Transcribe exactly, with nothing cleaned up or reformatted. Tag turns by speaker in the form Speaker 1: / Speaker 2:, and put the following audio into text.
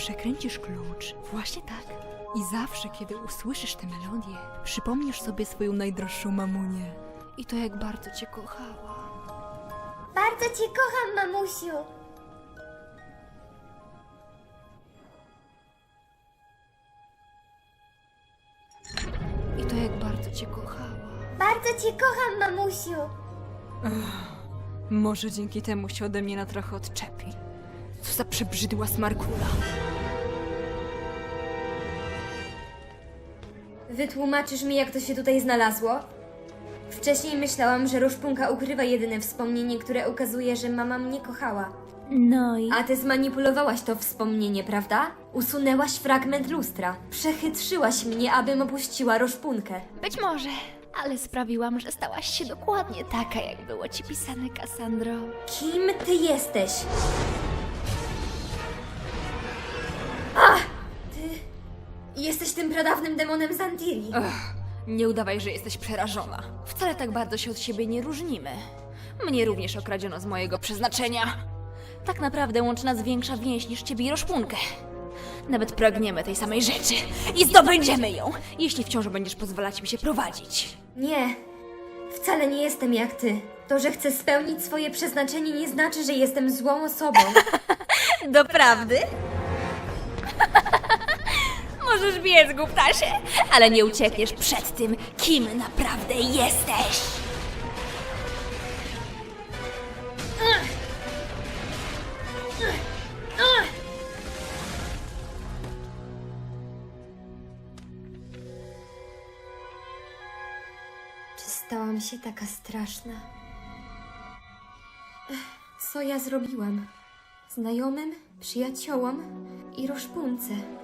Speaker 1: Przekręcisz klucz. Właśnie tak. I zawsze, kiedy usłyszysz tę melodię, przypomnisz sobie swoją najdroższą mamunię. I to, jak bardzo cię kochała.
Speaker 2: Bardzo cię kocham, mamusiu.
Speaker 1: I to, jak bardzo cię kochała.
Speaker 2: Bardzo cię kocham, mamusiu.
Speaker 1: Może dzięki temu się ode mnie na trochę odczepi. Co za przebrzydła smarkula.
Speaker 2: Wytłumaczysz mi, jak to się tutaj znalazło? Wcześniej myślałam, że Roszpunka ukrywa jedyne wspomnienie, które ukazuje, że mama mnie kochała.
Speaker 3: No i...
Speaker 2: A ty zmanipulowałaś to wspomnienie, prawda? Usunęłaś fragment lustra. Przechytrzyłaś mnie, abym opuściła Roszpunkę.
Speaker 3: Być może, ale sprawiłam, że stałaś się dokładnie taka, jak było ci pisane, Cassandro.
Speaker 2: Kim ty jesteś? Ach! Ty... Jesteś tym pradawnym demonem Zantiri.
Speaker 1: Ach, nie udawaj, że jesteś przerażona. Wcale tak bardzo się od siebie nie różnimy. Mnie również okradziono z mojego przeznaczenia. Tak naprawdę łączy nas większa więź niż ciebie i Roszpunkę. Nawet pragniemy tej samej rzeczy i zdobędziemy ją, jeśli wciąż będziesz pozwalać mi się prowadzić.
Speaker 2: Nie, wcale nie jestem jak ty. To, że chcę spełnić swoje przeznaczenie, nie znaczy, że jestem złą osobą.
Speaker 3: Doprawdy? Możesz biec, głuptasie, ale nie uciekniesz przed tym, kim naprawdę jesteś.
Speaker 2: Czy stałam się taka straszna? Ech, co ja zrobiłam? Znajomym, przyjaciołom i Roszpunce.